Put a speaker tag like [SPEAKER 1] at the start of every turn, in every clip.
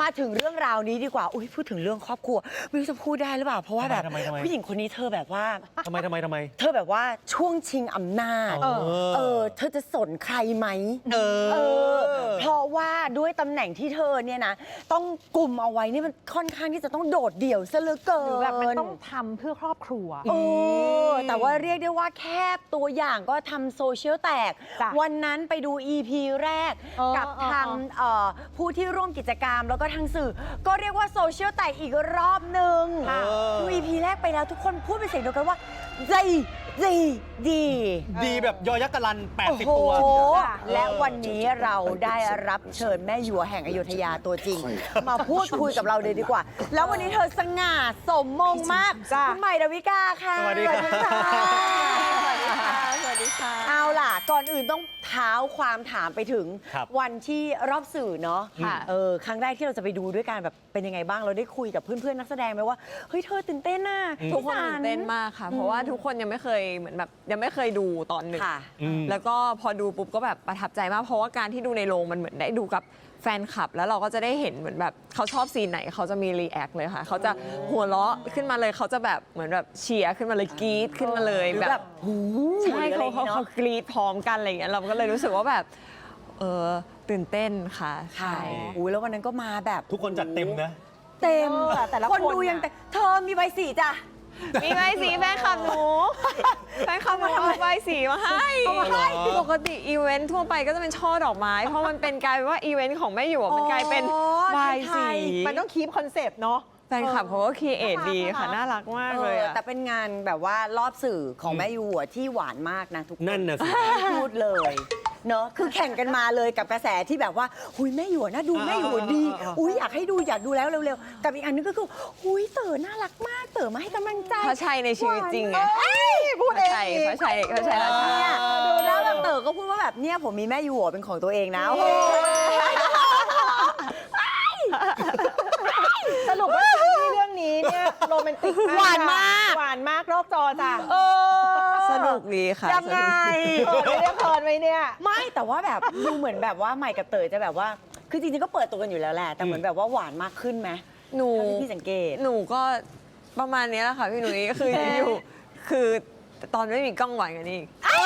[SPEAKER 1] มาถึงเรื่องราวนี้ดีกว่าอุ้ยพูดถึงเรื่องครอบครัวไม่รู้จะพูดได้หรือเปล่าเพราะว่าแบบผู้หญิงคนนี้เธอแบบว่า
[SPEAKER 2] ทำไม
[SPEAKER 1] เธอแบบว่าช่วงชิงอำนาจเธอจะสนใครไหมเพราะว่าด้วยตำแหน่งที่เธอเนี่ยนะต้องกลุ่มเอาไว้นี่มันค่อนข้างที่จะต้องโดดเดี่ยวซะเหลือเกิน
[SPEAKER 3] แบบมันต้องทำเพื่อครอบครัว
[SPEAKER 1] แต่ว่าเรียกได้ว่าแค่ตัวอย่างก็ทำโซเชียลแตกวันนั้นไปดู EP แรกกับทางผู้ที่ร่วมกิจกรรมแล้วก็ทางสื่อก็เรียกว่าโซเชียลแตกอีกรอบหนึ่งดู EP แรกไปแล้วทุกคนพูดเป็นเสียงเดียวกันว่าดี
[SPEAKER 2] แบบยอยักษ์กะลัน80 ตัว
[SPEAKER 1] และวันนี้เราได้รับเชิญแม่หยวแห่งอยุธยาตัวจริง มาพูดคุยกับเราเลยดีกว่า แล้ววันนี้เธอสง่าสมมงมากคุณใหม่ดาวิกาค่ะ
[SPEAKER 2] สวัสดีค่ะ
[SPEAKER 1] สวัสดีค่ะเอาล่ะก่อนอื่นต้องเท้าความถามไปถึงวันที่รอบสื่อเนาะครั้งแรกที่เราจะไปดูด้วยกันแบบเป็นยังไงบ้างเราได้คุยกับเพื่อนๆนักแสดงไหมว่าเฮ้ยเธอตื่นเต้นน่ะ
[SPEAKER 4] ทุกคนตื่นเต้นมากค่ะเพราะว่าทุกคนยังไม่เคยเหมือนแบบยังไม่เคยดูตอนหนึ่งแล้วก็พอดูปุ๊บก็แบบประทับใจมากเพราะว่าการที่ดูในโรงมันเหมือนได้ดูกับแฟนคลับแล้วเราก็จะได้เห็นเหมือนแบบเขาชอบซีนไหนเขาจะมีรีแอคเลยค่ะเขาจะหัวเราะขึ้นมาเลยเขาจะแบบเหมือนแบบเชียร์ขึ้นมาเลยกรี๊ดขึ้นมาเลยแบบใช่เขากรี๊ดพร้อมกันอะไรอย่างเงี้ยเราก็เลยรู้สึกว่าแบบตื่นเต้นค่ะใช่
[SPEAKER 1] แล้ววันนั้นก็มาแบบ
[SPEAKER 2] ทุกคนจัดเต็มนะ
[SPEAKER 1] เต็มแต่ละคนดูยังแต่เธอมีใบสีจ้ะ
[SPEAKER 4] มีใบสีแฟนคลับหนูแฟนคลับมาทำใบสีมาให้ปกติอีเวนต์ทั่วไปก็จะเป็นช่อดอกไม้เพราะมันเป็นกลายเป็นว่าอีเวนต์ของแม่หยวกมันกลายเป็นใบสี
[SPEAKER 3] มันต้องคีปคอนเซปต์เนาะ
[SPEAKER 4] แฟนคลับเขาก็ครีเอทดีค่ะน่ารักมากเลย
[SPEAKER 1] แต่เป็นงานแบบว่ารอบสื่อของแม่หยวกที่หวานมากนะทุกคน
[SPEAKER 2] นั่นน่ะสิ
[SPEAKER 1] พูดเลยเนาะคือแข่งกันมาเลยกับกระแสที่แบบว่าหุยแม่หยวกน่าดูแม่หยวกดีอุ้ยอยากให้ดูอยากดูแล้วเร็วๆกับอีกอันนึงก็คือหุยเต๋อน่ารักมากเต๋อมาให้กำลังใจ
[SPEAKER 4] พระชัยในชีวิตจริงไง
[SPEAKER 1] พูดเอง
[SPEAKER 4] พระชัยราชา
[SPEAKER 1] ดูแล้วแบบเต๋อก็พูดว่าแบบเนี่ยผมมีแม่หยวกเป็นของตัวเองนะ
[SPEAKER 3] สรุปว่าเรื่องนี้เนี่ยโรแมนติก
[SPEAKER 1] หวานม
[SPEAKER 3] ากนอกจอจ้ะ
[SPEAKER 4] สนุกดีค่ะ
[SPEAKER 1] ยังไง
[SPEAKER 3] ไม่ได้เพลินไหมเนี่ย
[SPEAKER 1] ไม่แต่ว่าแบบดูเหมือนแบบว่าใหม่กับเต๋อจะแบบว่าคือจริงๆก็เปิดตัวกันอยู่แล้วแหละแต่เหมือนแบบว่าหวานมากขึ้นไหมพี่สังเกต
[SPEAKER 4] หนูก็ประมาณนี้แหละค่ะพี่หนุ่ยคืออยู่คือตอนไม่มีกล้องหวานกันอีก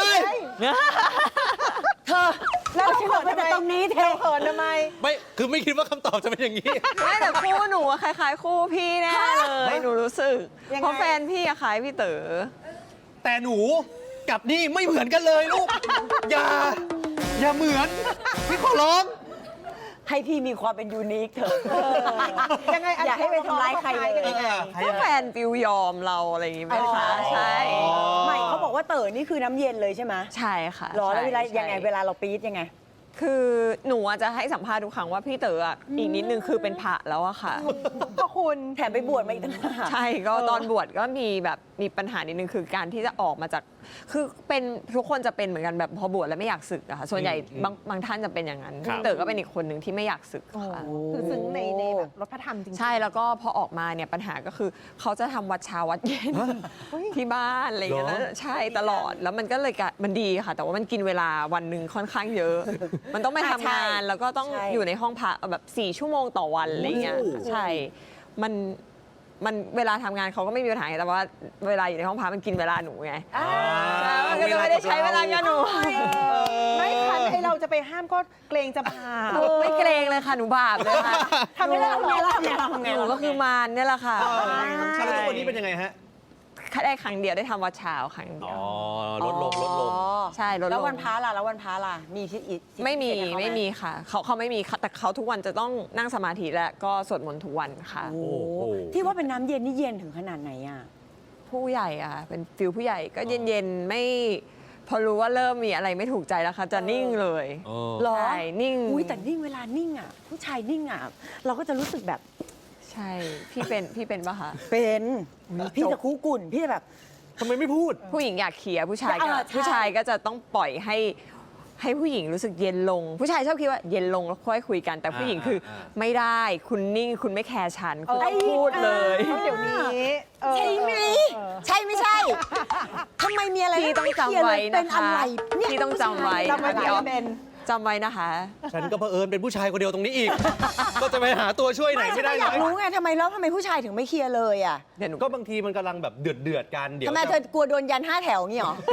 [SPEAKER 1] เธอแล้วเขินมาจากตรงนี้เธอ
[SPEAKER 3] เขินทำไม
[SPEAKER 2] ไม่คือไม่คิดว่าคำตอบจะเป็นอย่างนี้
[SPEAKER 4] ไม่แต่คู่หนูคล้ายๆคู่พี่แน่เลยหนูรู้สึกเพราะแฟนพี่คล้ายพี่เต๋อ
[SPEAKER 2] แต่หนูกับนี่ไม่เหมือนกันเลยลูกอย่าเหมือนพี่ขอร้อง
[SPEAKER 1] ให้พี่มีความเป็นยูนิคเถอะ
[SPEAKER 3] ยังไง
[SPEAKER 1] อย่าให้ไปทำร้ายใครเลย
[SPEAKER 4] ก็แฟนฟิวยอมเราอะไรอย่างงี้ไหมคะใช่
[SPEAKER 1] ใหม่เขาบอกว่าเต๋อนี่คือน้ำเย็นเลยใช่ไหม
[SPEAKER 4] ใช่ค่ะ
[SPEAKER 1] รอแล้วเวลายังไงเวลาเราปี๊ดยังไง
[SPEAKER 4] คือหนูจะให้สัมภาษณ์ทุกครั้งว่าพี่เต๋ออีกนิดนึงคือเป็นพระแล้วอะค่ะ
[SPEAKER 3] ก็คุณ
[SPEAKER 1] แถมไปบวชมาอีกต่างหาก
[SPEAKER 4] ใช่ก็ตอนบวชก็มีปัญหานิดนึงคือการที่จะออกมาจากคือเป็นทุกคนจะเป็นเหมือนกันแบบพอบวชแล้วไม่อยากสึกอะค่ะส่วนใหญ่บางท่านจะเป็นอย่างนั้นพี่เต๋อก็เป็นอีกคนหนึ่งที่ไม่อยากสึกค่ะ
[SPEAKER 3] คือซึ้งในแบบรถพระธรรมจริง
[SPEAKER 4] ใช่แล้วก็พอออกมาเนี่ยปัญหาก็คือเขาจะทำวัดเช้าวัดเย็นที่บ้านอะไรอย่างเงี้ยใช่ตลอดแล้วมันก็เลยมันดีค่ะแต่ว่ามันกินเวลาวันหนึ่งค่อนข้างเยอะมันต้องไปทำงานแล้วก็ต้องอยู่ในห้องพักแบบ4 ชั่วโมงต่อวันอะไรเงี้ยใช่มันเวลาทำงานเขาก็ไม่มีปัญหาแต่ว่าเวลาอยู่ในห้องพักมันกินเวลาหนูไงมันก็ไม่ได้ใช้เวลากับหนู
[SPEAKER 3] ไม่ทันไอเราจะไปห้ามก็เกรงจะบาป
[SPEAKER 4] ไม่เกรงเลยค่ะหนูบาปเลยค่ะ
[SPEAKER 3] ทำไม่ได้ห
[SPEAKER 4] นูก็คือมารเนี่ยแหละค่ะ
[SPEAKER 2] แล้วทุกวันนี้เป็นยังไงฮะ
[SPEAKER 4] ได้ครั้งเดียวได้ทำวัดเช้าครั้งเดียว
[SPEAKER 2] ลดลง
[SPEAKER 4] ใช่ลดลง
[SPEAKER 1] แล้ววันพระล่ะมีที่อีก
[SPEAKER 4] ไม่มีค่ะเขาไม่มีแต่เขาทุกวันจะต้องนั่งสมาธิและก็สวดมนต์ทุกวันค่ะ
[SPEAKER 1] ที่ว่าเป็นน้ำเย็นนี่เย็นถึงขนาดไหนอ่ะ
[SPEAKER 4] ผู้ใหญ่อะเป็นฟิลผู้ใหญ่ก็เย็นๆไม่พอรู้ว่าเริ่มมีอะไรไม่ถูกใจแล้วค่ะจะนิ่งเลย
[SPEAKER 1] หรอ
[SPEAKER 4] นิ่ง
[SPEAKER 1] แต่นิ่งเวลานิ่งอ่ะผู้ชายนิ่งอ่ะเราก็จะรู้สึกแบบ
[SPEAKER 4] ใช่พี่เป็นป่ะคะ
[SPEAKER 1] เป็นพี่จะคู่กุ่นพี่จะแบบ
[SPEAKER 2] ทำไมไม่พูด
[SPEAKER 4] ผู้หญิงอยากเคลียร์ผู้ชายก็จะต้องปล่อยให้ผู้หญิงรู้สึกเย็นลงผู้ชายชอบคิดว่าเย็นลงแล้วค่อยคุยกันแต่ผู้หญิงคือไม่ได้คุณนิ่งคุณไม่แคร์ฉันคุณต้องพูดเลย
[SPEAKER 3] เดี๋ยวนี้
[SPEAKER 1] ใช่ไหมใช่ไม่ใช่ทำไมมีอะไร
[SPEAKER 4] ที่ต้องจำไว้นะคะ
[SPEAKER 1] เป็นอะไร
[SPEAKER 4] ที่ต้องจำไว้
[SPEAKER 3] พี่ออฟ
[SPEAKER 4] จำไว้นะคะ
[SPEAKER 2] ฉันก็เผอิญเป็นผู้ชายคนเดียวตรงนี้อีก ก็จะไปหาตัวช่วยไหนไม่ได้
[SPEAKER 1] อ
[SPEAKER 2] เลย
[SPEAKER 1] ยากรู้ไงทำไมผู้ชายถึงไม่เคลียร์เลยอ่ะ
[SPEAKER 4] เดี๋ยวหนู
[SPEAKER 2] ก็บางทีมันกำลังแบบเดือดกันเดี๋ยว
[SPEAKER 1] ทำไมเธอกลัวโดนยัน5 แถวงี้หรอ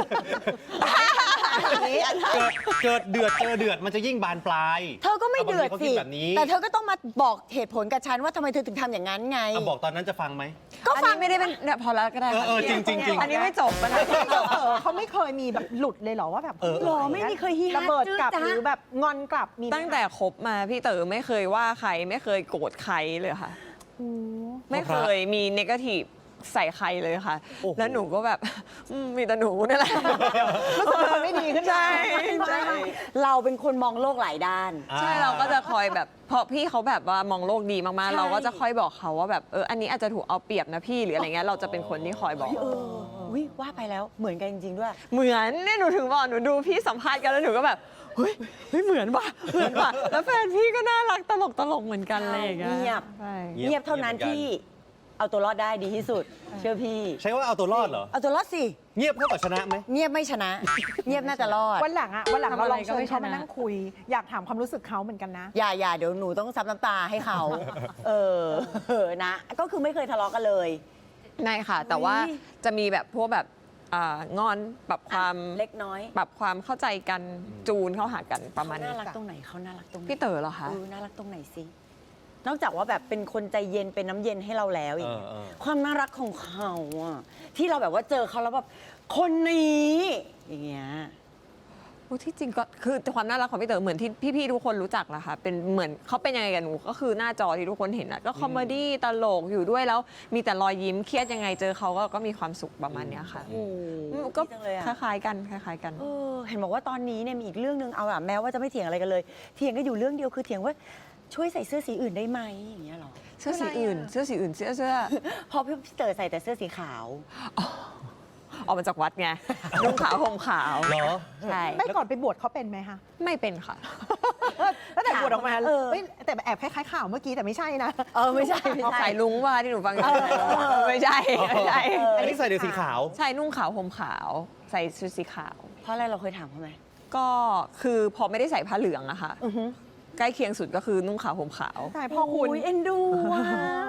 [SPEAKER 2] เกิดเดือดเจอเดือดมันจะยิ่งบานปลาย
[SPEAKER 1] เธอก็ไม่เดือด
[SPEAKER 2] บาง
[SPEAKER 1] สิ
[SPEAKER 2] ทีเขาคิแบบนี้
[SPEAKER 1] แต่เธอก็ต้องมาบอกเหตุผลกับฉันว่าทำไมเธอถึงทำอย่างนั้นไง
[SPEAKER 2] บอกตอนนั้นจะฟังไหม
[SPEAKER 1] ก็
[SPEAKER 4] อัน
[SPEAKER 1] ฟัง
[SPEAKER 4] นี้ไม่ได้เป็นเนี่ยพอแล้วก็ได้ค่ะ
[SPEAKER 2] จริง
[SPEAKER 4] อันนี้ไม่จบปัญหา
[SPEAKER 3] เขาไม่เคยมีแบบหลุดเลยเหรอว่าแบบ
[SPEAKER 1] หรอไม่มีเคยฮีฮา
[SPEAKER 3] ระเบิดกลับ
[SPEAKER 1] จื้อจ๊ะ
[SPEAKER 3] หรือแบบงอนกลับมีไหม
[SPEAKER 4] ตั้งแต่คบมาพี่เต๋อไม่เคยว่าใครไม่เคยโกรธใครเลยค่ะ
[SPEAKER 3] โอ้
[SPEAKER 4] ไม่เคยมีเนกาทีฟใส่ใครเลยค่ะ
[SPEAKER 2] โอ้โห
[SPEAKER 4] แล้วหนูก็แบบ มีแต่หนูนี่แหละ
[SPEAKER 3] รู้สึกว่ามันไม่ดีขึ้นมา
[SPEAKER 4] ใช่
[SPEAKER 1] เราเป็นคนมองโลกหลายด้าน
[SPEAKER 4] ใช่เราก็จะคอยแบบเพราะพี่เขาแบบว่ามองโลกดีมาก
[SPEAKER 1] ใช่
[SPEAKER 4] ๆ เราก็จะคอยบอกเขาว่าแบบอันนี้อาจจะถูกเอาเปรียบนะพี่หรืออะไรเงี้ยเราจะเป็นคนที่คอยบอก
[SPEAKER 1] วิว่าไปแล้วเหมือนกันจริง ๆ ด้วย
[SPEAKER 4] เหมือนเนี่ยหนูถึงบอกหนูดูพี่สัมภาษณ์กันแล้วหนูก็แบบเฮ้ยเหมือนว่ะแล้วแฟนพี่ก็น่ารักตลกเหมือนกันเลยอย่างเงี้ย
[SPEAKER 1] เงียบ
[SPEAKER 4] ใช่
[SPEAKER 2] เงียบ
[SPEAKER 1] เงียบเท่านั้น
[SPEAKER 2] เงียบเหมือนกัน
[SPEAKER 1] ที่เอาตัวรอดได้ดีที่สุด เชื่อพี่
[SPEAKER 2] ใช่ว่าเอาตัวรอดเหรอ
[SPEAKER 1] เอาตัวรอดสิ
[SPEAKER 2] เงียบเท่ากับชนะไหม
[SPEAKER 1] เงียบไม่ชนะ เงียบน่าจะรอด
[SPEAKER 3] วันหลังเราลองเชิญเขา
[SPEAKER 4] ทำอะไรก็ไม่ชนะ
[SPEAKER 3] มานั่งคุย อยากถามความรู้สึกเขาเหมือนกันนะ
[SPEAKER 1] อย่าเดี๋ยวหนูต้องซับน้ำตาให้เขา นะ ก็คือไม่เคยทะเลาะกันเลย
[SPEAKER 4] ไม่ค่ะ แต่ว่าจะมีแบบพวกแบบงอนปรับความ
[SPEAKER 1] เล็กน้อย
[SPEAKER 4] ปรับความเข้าใจกันจูนเข้าหากันประมาณ
[SPEAKER 1] เขา
[SPEAKER 4] นี้
[SPEAKER 1] น่ารักตรงไหนเขาน่ารักตรงไหน
[SPEAKER 4] พี่เต๋อเหรอคะ
[SPEAKER 1] น่ารักตรงไหนสินอกจากว่าแบบเป็นคนใจเย็นเป็นน้ำเย็นให้เราแล้วอย่างเงี้ยความน่ารักของเขาอะที่เราแบบว่าเจอเขาแล้วแบบคนนี้อย่างเงี้ย
[SPEAKER 4] ที่จริงก็คือความน่ารักของพี่เต๋อเหมือนที่พี่ๆทุกคนรู้จักแหละค่ะเป็นเหมือนเขาเป็นยังไงกับหนูก็คือหน้าจอที่ทุกคนเห็นอะก็คอมเมดี้ตลกอยู่ด้วยแล้วมีแต่รอยยิ้มเครียดยังไงเจอเขาก็มีความสุขประมาณเนี้ยค่ะ
[SPEAKER 1] โอ้โห
[SPEAKER 4] ก็
[SPEAKER 1] ดีจังเลยอะ
[SPEAKER 4] คล้ายๆกันคล้ายๆกัน
[SPEAKER 1] เห็นบอกว่าตอนนี้เนี่ยมีอีกเรื่องนึงเอาอะแม้ว่าจะไม่เถียงอะไรกันเลย เถียงกันอยู่เรื่องเดียวคือเถียงว่าช่วยใส่เสื้อสีอื่นได้ไหมอย่างเงี้ยหรอ
[SPEAKER 4] เสื้อสีอื่น เสื้อสีอื่นเสื้อ
[SPEAKER 1] เพราะพี่เต๋อใส่แต่เสื้อสีขาว
[SPEAKER 4] ออกมาจากวัดไงนุ่งขาวห่มขาว
[SPEAKER 2] เหรอ
[SPEAKER 4] ใช่
[SPEAKER 3] ไม่ก่อนไปบวชเขาเป็นไหมคะ
[SPEAKER 4] ไม่เป็นค่ะ
[SPEAKER 3] แล้วแต่บวชออกมา
[SPEAKER 1] เออ
[SPEAKER 3] เฮ้ยแต่แอบคล้ายๆข่าวเมื่อกี้แต่ไม่ใช่นะ
[SPEAKER 1] ไม่ใช่
[SPEAKER 4] สายลุงว่าที่หนูฟังอยู่ไม่ใช่ไม่ใช่
[SPEAKER 2] อันนี้ใส่เดี๋ยวสีขาว
[SPEAKER 4] ใช่นุ่งขาวห่มขาว ใส่ชุดสีขาว
[SPEAKER 1] เพราะอะไรเราเคยถามเขาไหม
[SPEAKER 4] ก็คือพอไม่ได้ใส่ผ้าเหลืองอะค่ะใกล้เคียงสุดก็คือนุ่งขาวห่มขาว
[SPEAKER 3] แต่พ่อคุณ
[SPEAKER 1] โยเอ็นดูว่ะ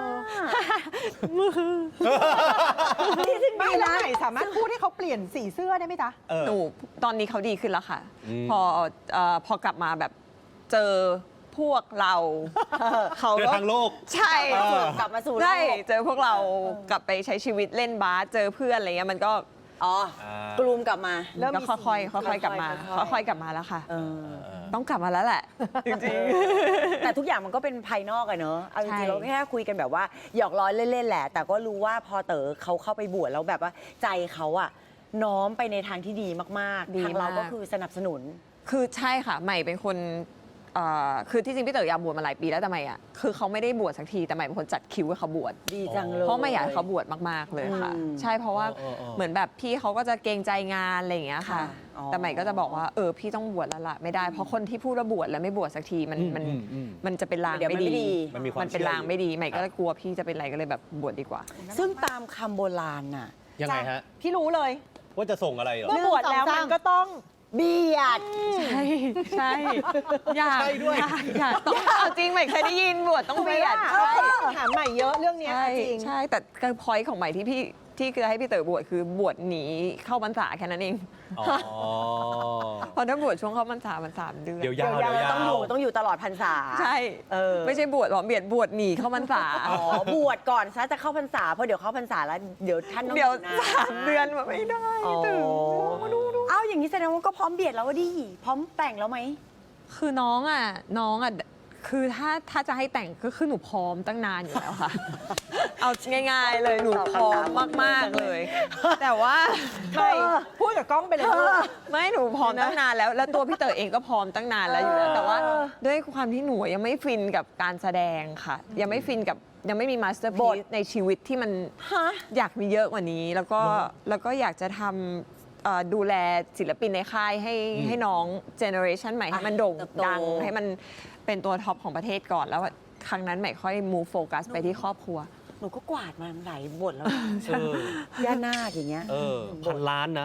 [SPEAKER 3] ไม่แล้วไหนสามารถพูดให้เขาเปลี่ยนสีเสื้อได้ไหมจ๊ะ
[SPEAKER 4] หนูตอนนี้เขาดีขึ้นแล้วค่ะ
[SPEAKER 2] อืม
[SPEAKER 4] พอกลับมาแบบเจอพวกเราเขา
[SPEAKER 2] เดิน
[SPEAKER 4] ก็
[SPEAKER 2] ทางโลก
[SPEAKER 4] ใช่
[SPEAKER 1] กลับมาสู่โล
[SPEAKER 4] ใช่
[SPEAKER 1] ก
[SPEAKER 4] เจอพวกเรากลับไปใช้ชีวิตเล่นบาสเจอเพื่อนอะไรเงี้ยมันก็
[SPEAKER 1] อ๋อ กลูมกลับมา
[SPEAKER 3] เริ่มมี
[SPEAKER 4] ก็ค่อยๆกลับมา
[SPEAKER 1] ค่อยๆ
[SPEAKER 4] ค่อยๆกลับมาแล้วค่ะ
[SPEAKER 1] เออ
[SPEAKER 4] ต้องกลับมาแล้วแหละ จริง
[SPEAKER 1] แต่ทุกอย่างมันก็เป็นภายนอกอะเนอะเอาจ
[SPEAKER 4] ใช่
[SPEAKER 1] ริงๆเราแค่คุยกันแบบว่าหยอกล้อเล่นๆแหละ แต่ก็รู้ว่าพอเต๋อเขาเข้าไปบวชแล้วแบบว่าใจเขาอะน้อมไปในทางที่ดีมากๆ ทางเราก็คือสนับสนุน
[SPEAKER 4] คือใช่ค่ะใหม่เป็นคนคือที่จริงพี่เต๋ออยากบวชมาหลายปีแล้วแต่ใหม่อ่ะคือเขาไม่ได้บวชสักทีแต่ใหม่เป็นคนจัดคิวให้เขาบวช
[SPEAKER 1] ดีจังเลย
[SPEAKER 4] เพราะไม่อยากให้เขาบวชมากๆเลยค่ะ
[SPEAKER 1] อืม
[SPEAKER 4] ใช่เพราะว่า
[SPEAKER 2] อ๋อ
[SPEAKER 4] เหมือนแบบพี่เขาก็จะเกรงใจงานอะไรอย่างเงี้ยค่ะ
[SPEAKER 1] ค่ะอ๋อ
[SPEAKER 4] แต่ใหม่ก็จะบอกว่าพี่ต้องบวชแล้วล่ะไม่ได้เพราะคนที่พูดว่าบวชแล้วไม่บวชสักทีมันจะเป็นลาง
[SPEAKER 1] เดี๋ยวมัน
[SPEAKER 4] ไม่
[SPEAKER 1] ไม่
[SPEAKER 4] ดี
[SPEAKER 1] ดี
[SPEAKER 2] มันมีความ
[SPEAKER 4] มันเป็น
[SPEAKER 2] เชื่อ
[SPEAKER 4] ลางไม่ดีใหม่ก็กลัวพี่จะเป็นอะไรก็เลยแบบบวชดีกว่า
[SPEAKER 1] ซึ่งตามคำโบราณน่ะ
[SPEAKER 2] ยังไงฮะ
[SPEAKER 3] พี่รู้เลย
[SPEAKER 2] ว่าจะส่งอะไรเหรอ
[SPEAKER 3] เมื่อบวชแล้วมันก็ต้อง
[SPEAKER 1] เบียด
[SPEAKER 4] ใช่ใช่อยาก
[SPEAKER 2] ใช่ด้วย
[SPEAKER 4] อยากต้องเอาจริงใหม่เคยได้ยินบวชต้องเบียด
[SPEAKER 3] ใช่ถามใหม่เยอะเรื่องเนี้ย
[SPEAKER 4] ใช่
[SPEAKER 3] จริง
[SPEAKER 4] ใช่แต่การพอยของใหม่ที่คือให้พี่เต๋อบวชคือบวชหนีเข้าพรรษาแค่นั้นเอง
[SPEAKER 2] อ๋อ
[SPEAKER 4] เพราะถ้าบวชช่วงเข้าพรรษามัน3 เดือน
[SPEAKER 2] เดี๋ยวยาว
[SPEAKER 1] เดี๋ยว
[SPEAKER 2] เดี๋ยวยาว
[SPEAKER 1] ต้องอยู่ตลอดพรรษา
[SPEAKER 4] ใช่ ไม่ใช่บวชหรอเบียดบวชหนีเข้าพรรษา
[SPEAKER 1] อ๋อบวชก่อนซะจะเข้าพรรษาเพราะเดี๋ยวเข้าพรรษาแล้วเดี๋ยวท่านต้อง
[SPEAKER 4] เดี๋ยว
[SPEAKER 1] อยู่นาน
[SPEAKER 4] 3 เดือนมาไม่ได้
[SPEAKER 1] อ๋อ
[SPEAKER 4] ถึง
[SPEAKER 1] เอ้าอย่างนี้แสดงว่าก็พร้อมเบียดแล้วดิพร้อมแต่งแล้วไหม
[SPEAKER 4] คือน้องอ่ะคือถ้าจะให้แต่งก็คือหนูพร้อมตั้งนานอยู่แล้วค่ะ เอาง่ายๆเลยหนูพร้อมมากๆเลย แต่ว่า
[SPEAKER 3] ไม่พูดกับกล้องไปเลยลูก
[SPEAKER 4] ไม่หนูพร้อมตั้งนานแล้วตัวพี่เต๋อเองก็พร้อมตั้งนานแล้วอยู่แล้วแต่ว่าด้วยความที่หนูยังไม่ฟินกับการแสดงค่ะ ยังไม่ฟินกับยังไม่มีมาสเตอร์
[SPEAKER 1] บ
[SPEAKER 4] พี
[SPEAKER 1] ท
[SPEAKER 4] ซในชีวิตที่มันอยากมีเยอะกว่านี้ แล้วก็อยากจะทำดูแลศิลปินในค่ายให้น้องเจเนอเรชันใหม่ให้มันโด่งดังให้มันเป็นตัวท็อปของประเทศก่อนแล้วครั้งนั้นใหม่ค่อย move focus ไปที่ครอบครัว
[SPEAKER 1] หนูก็กวาดมาหลายบทแล้ว
[SPEAKER 2] เออย่
[SPEAKER 1] านาคอย่างเงี้ย
[SPEAKER 2] 1,000 ล้านนะ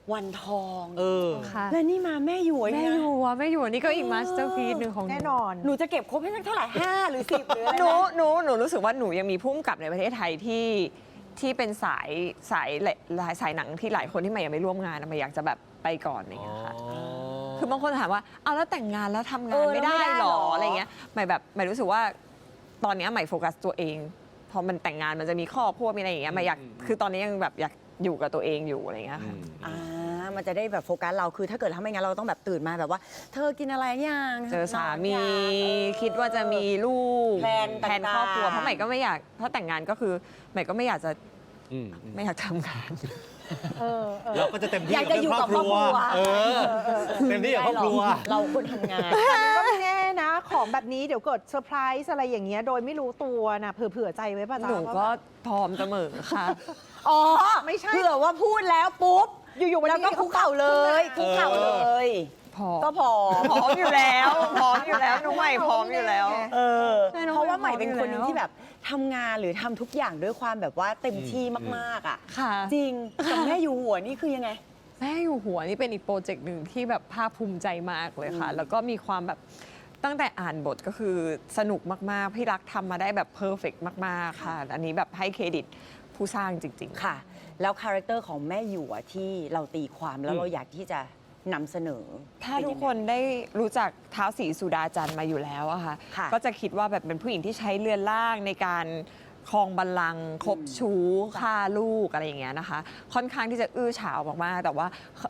[SPEAKER 1] วันทอง
[SPEAKER 4] ค่ะ
[SPEAKER 1] และนี่มาแม่หยวน
[SPEAKER 4] แม่
[SPEAKER 1] นะ
[SPEAKER 4] อยู่อะแม่อยู่นี่ก็อีกมาสเตอร์พีซหนึ่งของ
[SPEAKER 3] แน่นอน
[SPEAKER 1] หนูจะเก็บครบให้สักเท่าไหร่ 5 หรือ 10 หรืออะไร
[SPEAKER 4] หนู
[SPEAKER 1] นะ
[SPEAKER 4] หนูรู้สึกว่าหนูยังมีพุ่มกับในประเทศไทยที่เป็นสายหนังที่หลายคนที่ใหม่ยังไม่ร่วมงานอะใหม่อยากจะแบบไปก่อนอะไรอย่างเงี้ยค่ะ คือบางคนถามว่าเอาแล้วแต่งงานแล้วทำงานไม่ได้หรออะไรเงี้ยใหม่รู้สึกว่าตอนนี้ใหม่โฟกัสตัวเองพอมันแต่งงานมันจะมีครอบครัวมีอะไรอย่างเงี้ยใหม่อยากคือตอนนี้ยังแบบอยากอยู่กับตัวเองอยู่อะไรเงี้ยค่ะ
[SPEAKER 1] มันจะได้แบบโฟกัสเราคือถ้าเกิดทำไม่งั้นเราต้องแบบตื่นมาแบบว่า เธอกินอะไรยัง
[SPEAKER 4] เจอสามี
[SPEAKER 1] นอนยัง
[SPEAKER 4] คิดว่าจะมีลูก
[SPEAKER 1] แพลนต่างๆ
[SPEAKER 4] ครอบครัวเพราะใหม่ก็ไม่อยากถ้าแต่งงานก็คือใหม่ก็ไม่อยากจะไม่อยากทำงาน
[SPEAKER 2] เราก็จะเต็มที่
[SPEAKER 1] อยากจะอยู่กับครอบครัว
[SPEAKER 2] เต็มที่กับครอบครัว
[SPEAKER 1] เราคนทำงาน
[SPEAKER 3] ก็ไม่แน่นะ ของแบบนี้เดี๋ยวเกิดเซอร์ไพรส์อะไรอย่างเงี้ยโดยไม่รู้ตัวนะเผื่อใจไว้ป่ะจ๊ะ
[SPEAKER 4] หนูก็พร้อมเสมอค่ะ
[SPEAKER 1] อ๋อ
[SPEAKER 3] ไม่ใช่
[SPEAKER 1] เผื่อว่าพูดแล้วปุ๊บ
[SPEAKER 3] อยู่ๆวัน
[SPEAKER 1] แล้ว
[SPEAKER 3] นี้
[SPEAKER 1] ก็คุกเข่าเลยคุกเข่าเลย
[SPEAKER 4] พร้อม
[SPEAKER 1] ก็พอ
[SPEAKER 4] พร้อมอยู่แล้วพร้อมอยู่แล้วน้องใหม่พร้อมอยู่แล้ว ใช่น้อง
[SPEAKER 1] เพราะว่า
[SPEAKER 4] ให
[SPEAKER 1] ให
[SPEAKER 4] ม่
[SPEAKER 1] ม่
[SPEAKER 4] พร้อม
[SPEAKER 1] เป็นคนหนึง
[SPEAKER 4] อยู่แล้ว
[SPEAKER 1] ที่แบบทำงานหรือทำทุกอย่างด้วยความแบบว่าเต็มที่มากๆอ่ะ
[SPEAKER 4] ค่ะ
[SPEAKER 1] จริงกับแม่อยู่หัวนี่คือยังไง
[SPEAKER 4] แม่อยู่หัวนี่เป็นอีกโปรเจกต์หนึ่งที่แบบภาคภูมิใจมากเลยค่ะ แล้วก็มีความแบบตั้งแต่อ่านบทก็คือสนุกมาก ๆ พี่รักทำมาได้แบบเพอร์เฟกต์มาก ๆ ค่ะ อันนี้แบบให้เครดิตผู้สร้างจริง ๆ
[SPEAKER 1] ค่ะ แล้วคาแรคเตอร์ของแม่หยวที่เราตีความแล้วเราอยากที่จะนำเสนอ
[SPEAKER 4] ถ้าทุกคนได้รู้จักท้าวศรีสุดาจันทร์มาอยู่แล้วอะค่ะ
[SPEAKER 1] ค่ะ
[SPEAKER 4] ก็จะคิดว่าแบบเป็นผู้หญิงที่ใช้เรือนร่างในการครองบัลลังก์คบชู้ฆ่าลูกอะไรอย่างเงี้ยนะคะ ค่อนข้างที่จะอื้อฉาวมากๆแต่ว่า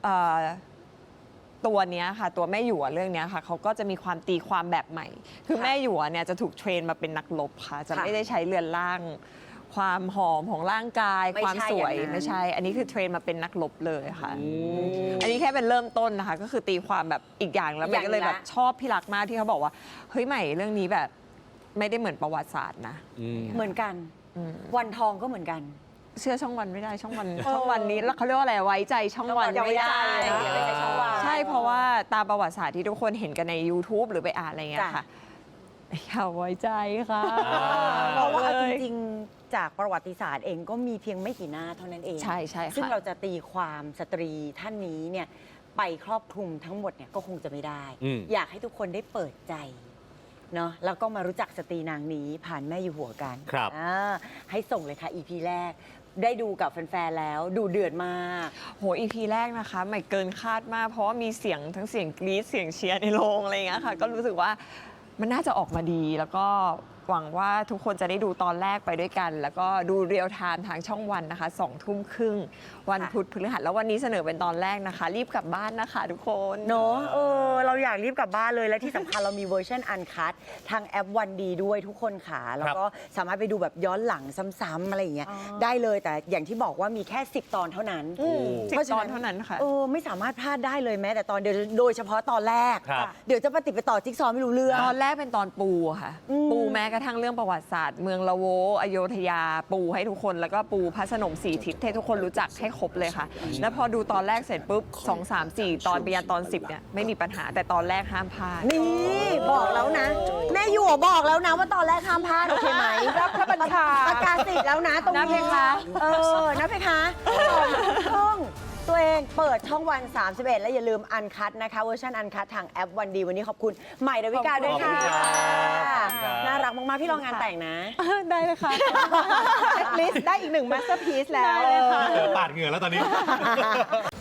[SPEAKER 4] ตัวเนี้ยค่ะตัวแม่หยวเรื่องเนี้ยค่ะเขาก็จะมีความตีความแบบใหม่ คือแม่หยวเนี่ยจะถูกเทรนมาเป็นนักรบค่ะ จะไม่ได้ใช้เรือนร่าง ความหอมของร่างกาย
[SPEAKER 1] ไม่
[SPEAKER 4] ความ
[SPEAKER 1] ใช่
[SPEAKER 4] สวย
[SPEAKER 1] อย่างนั้น
[SPEAKER 4] ไม่ใช่ อันนี้คือเทรนมาเป็นนักรบเลยค่ะ อันนี้แค่เป็นเริ่มต้นนะคะ ก็คือตีความแบบอีกอย่างแล้วใหม่ก็เลยแบบชอบพี่รักมากที่เขาบอกว่าเฮ้ยใหม่เรื่องนี้แบบไม่ได้เหมือนประวัติศาสตร์นะ
[SPEAKER 1] เหมือนกัน วันทองก็เหมือนกัน
[SPEAKER 4] เชื่อช่องวันไม่ได้ช่องวันนี้แล้วเขาเรียกว่าอะไรไว้ใจช่องวัน
[SPEAKER 1] อย่าไว้
[SPEAKER 4] ไม่
[SPEAKER 1] ใจ
[SPEAKER 4] ได้
[SPEAKER 1] อย่าไว้ใจช่องวัน
[SPEAKER 4] ใช่เพราะว่าตามประวัติศาสตร์ที่ทุกคนเห็นกันใน YouTube หรือไปอ่านอะไรเงี้ยค่ะอย่าไว้ใจค่ะ
[SPEAKER 1] เพราะว่าเอา
[SPEAKER 4] เล
[SPEAKER 1] จ
[SPEAKER 4] ย
[SPEAKER 1] ริงๆ จากประวัติศาสตร์เองก็มีเพียงไม่กี่หน้าเท่านั้นเอง
[SPEAKER 4] ใช่ค่ะ
[SPEAKER 1] ซึ่งเราจะตีความสตรีท่านนี้เนี่ยไปครอบคลุมทั้งหมดเนี่ยก็คงจะไม่ได้ อยากให้ทุกคนได้เปิดใจเนาะแล้วก็มารู้จักสตรีนางนี้ผ่านแม่อยู่หัวกัน
[SPEAKER 2] ครับ
[SPEAKER 1] ให้ส่งเลยค่ะ EP แรก ได้ดูกับแฟนๆแล้วดูเดือดมาก
[SPEAKER 4] โห EP แรกนะคะใหม่เกินคาดมาก เพราะว่ามีเสียงทั้งเสียงกรี๊ดเสียงเชียร์ในโรงอะไรอย่างเงี้ยค่ะ ก็รู้สึกว่ามันน่าจะออกมาดี แล้วก็หวังว่าทุกคนจะได้ดูตอนแรกไปด้วยกัน แล้วก็ดูเรียลไทม์ทางช่องวันนะคะ20:30 วันพุธพฤหัสแล้ววันนี้เสนอเป็นตอนแรกนะคะ รีบกลับบ้านนะคะทุกคน
[SPEAKER 1] เนอะเราอยากรีบกลับบ้านเลย และที่สำคัญ เรามีเวอร์ชันอันคัททางแอปวันดีด้วยทุกคนค่ะ แล้วก็สามารถไปดูแบบย้อนหลังซ้ำๆอะไรอย่างเงี้ยได้เลยแต่อย่างที่บอกว่ามีแค่ 10 ตอนเท่านั้น
[SPEAKER 4] 10 ตอนเท่านั้นค่ะ
[SPEAKER 1] ไม่สามารถพลาดได้เลยแม้แต่ตอนเดียวโดยเฉพาะตอนแรก
[SPEAKER 2] ครับ
[SPEAKER 1] เดี๋ยวจะปฏิดไปต่อจิ๊กซอว์ไม่รู้เรื่อง
[SPEAKER 4] ตอนแรกเป็นตอนปูค่ะ ปูแม้กระทั่งเรื่องประวัติศาสตร์ เมืองละโวอโยธยาปูให้ทุกคนแล้วก็ปูพระสนมสีทิศให้ทุกคนรู้จักให้ครบเลยค่ะ แล้วพอดูตอนแรกเสร็จปุ๊บ2 3 4 ตอนไปยันตอน 10เนี่ยไม่มีปัญหาแต่ตอนแรกห้ามพลาด
[SPEAKER 1] นี่บอกแล้วนะ แม่หยวบอกแล้วนะว่าตอนแรกห้ามพลาดโอเคไหม
[SPEAKER 3] รับพระบัญชา
[SPEAKER 1] ประกาศสิทธิ์แล้วนะตรง
[SPEAKER 4] นะเพ
[SPEAKER 1] นี้
[SPEAKER 4] คะ
[SPEAKER 1] นะเพคะช่องตัวเองเปิดช่องวัน 31 และอย่าลืมอันคัทนะคะเวอร์ชันอันคัททางแอปวันดีวันนี้ขอบคุณใหม่ดาวิกาด้วยค่ะ
[SPEAKER 2] ขอบคุณครับ
[SPEAKER 1] น่ารักมาก ๆ พี่รองงานแต่งนะ
[SPEAKER 4] ได้เลยค่ะ
[SPEAKER 3] ลิสต์ได้อีกหนึ่งมาสเตอร์พีซแล้ว
[SPEAKER 4] ได้เลยค่ะ
[SPEAKER 2] เจอปาดเหงื่อแล้วตอนนี้